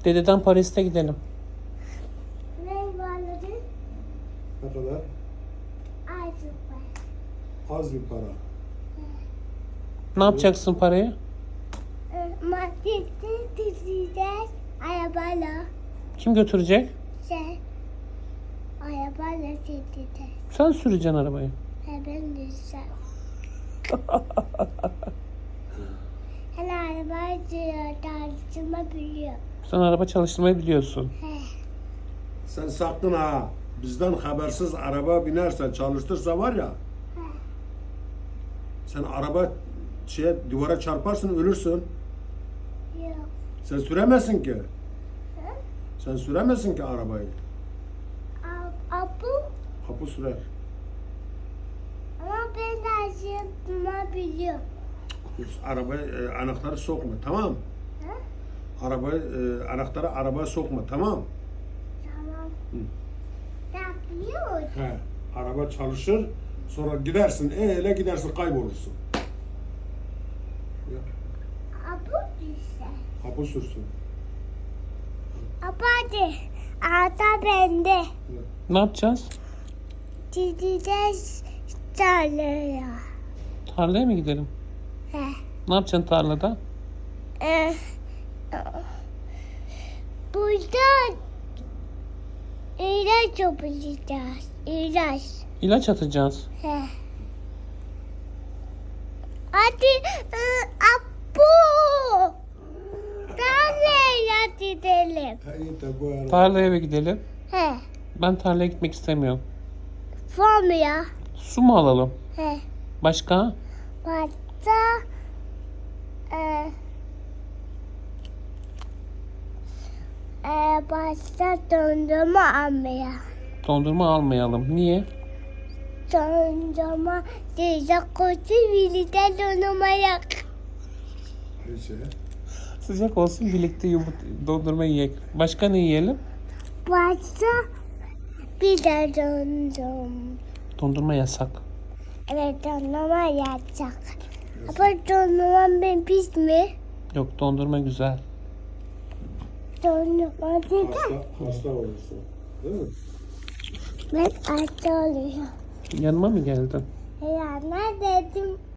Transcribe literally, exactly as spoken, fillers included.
Dededen Paris'te gidelim. Ne varladı? Ne kadar? Az var. Az bir para. Ne yapacaksın parayı? Markette diziden arabayla Kim götürecek? şey arabayla diziden. Sen süreceksin arabayı. He ben dizeceğim. Hele arabayı diyor, tartışma biliyor. Sen araba çalıştırmayı biliyorsun. He. Sen sakın ha. Bizden habersiz araba binersen, çalıştırsa var ya. Sen araba şeye, duvara çarparsın, ölürsün. Yok. Sen süremezsin ki. Hı? Sen süremezsin ki arabayı. Ab- Abu Kapı sürer. ama ben tartışma biliyor. Arabaya e, anahtarı sokma, tamam? Hı? Arabayı e, anahtarı arabaya sokma, tamam? Tamam. Hı. Yapıyor. He. Araba çalışır, sonra gidersin, eyle gidersin, kaybolursun. Ya, Abu düşse. kapı sürsün. Abu hadi. Ata bende. Ne yapacağız? Gideceğiz tarlaya. Tarlaya mı gidelim? He. Ne yapacaksın tarlada? Ee, burada ilaç yapacağız. İlaç. İlaç atacağız. He. Hadi e, Abu. Tarlaya gidelim. Ha, iyi de bu araba. Tarlaya mı gidelim? He. Ben tarlaya gitmek istemiyorum. Formya. Su mu alalım? He. Başka? Başta e, e, başta dondurma almaya. Dondurma almayalım. Niye? Dondurma sıcak olsun birlikte dondurma yak. Neyse. Sıcak olsun birlikte yumurt dondurma yiyek. Başka ne yiyelim? Başta bir de dondurma. Dondurma yasak. Evet dondurma yapacak. Ama dondurma ben pis mi? Yok dondurma güzel. Dondurma dedi. Hasta, hasta olursun. Değil mi? Ben hasta oluyorum. Yanıma mı geldin? Ya ne dedim?